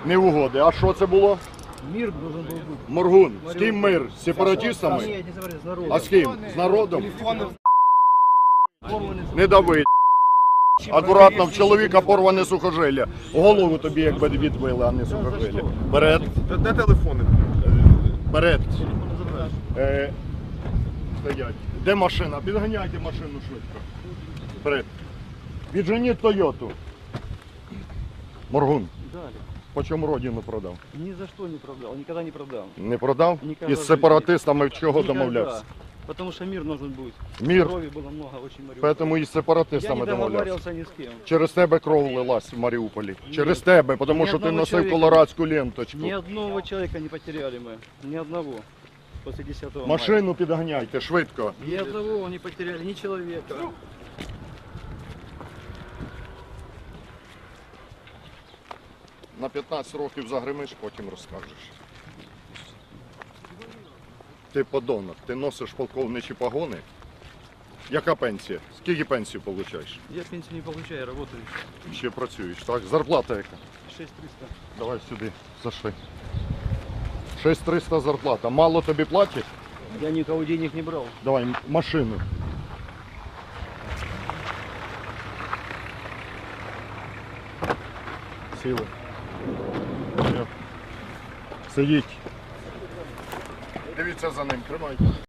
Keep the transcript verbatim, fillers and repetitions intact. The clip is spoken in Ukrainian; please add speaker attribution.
Speaker 1: Не угоди. А що це було?
Speaker 2: Мир должен был быть.
Speaker 1: Моргун. З ким мир? З сепаратистами?
Speaker 2: Нет, не говори, с народом.
Speaker 1: А з ким? З народом? Не дави. Акуратно, в чоловіка порване сухожилля. Голову тобі якби відбили, а не сухожилля. Вперед.
Speaker 3: Де телефони?
Speaker 1: Вперед. Е, стоять. Де машина? Підганяйте машину швидко. Вперед. Відженіть Тойоту. Моргун.
Speaker 2: Дали.
Speaker 1: По чому родину продав?
Speaker 2: Ни за что не продал, никогда не продал.
Speaker 1: Не продав?
Speaker 2: Ніколи
Speaker 1: Із
Speaker 2: в
Speaker 1: сепаратистами чого
Speaker 2: Никогда.
Speaker 1: домовлявся?
Speaker 2: Потому что мир нужен будет.
Speaker 1: Мир.
Speaker 2: Крови было много, очень Мариуполь.
Speaker 1: Тому із
Speaker 2: Я
Speaker 1: сепаратистами
Speaker 2: не
Speaker 1: домовлявся.
Speaker 2: договаривался ни с кем.
Speaker 1: Через тебе кров лилась в Маріуполі. Через тебе, тому
Speaker 2: Ні
Speaker 1: що ти
Speaker 2: одного
Speaker 1: носив
Speaker 2: чоловіка.
Speaker 1: колорадську ленточку.
Speaker 2: Ни одного человека не потеряли мы. Ни одного. После десятого
Speaker 1: Машину підганяйте, швидко.
Speaker 2: мая. Ни одного не потеряли, ни человека.
Speaker 1: На п'ятнадцять років загримиш, потім розкажеш. Ти подонок, ти носиш полковничі погони. Яка пенсія? Скільки пенсію получаєш?
Speaker 2: Я пенсию не получаю, я работаю.
Speaker 1: Ще працюєш, так? Зарплата яка?
Speaker 2: шесть триста.
Speaker 1: Давай сюди, зашли. шість триста зарплата. Мало тобі платять?
Speaker 2: Я никого денег не брал.
Speaker 1: Давай м- машину. Сіли. Все. Сидіть. Дивіться за ним, тримайте.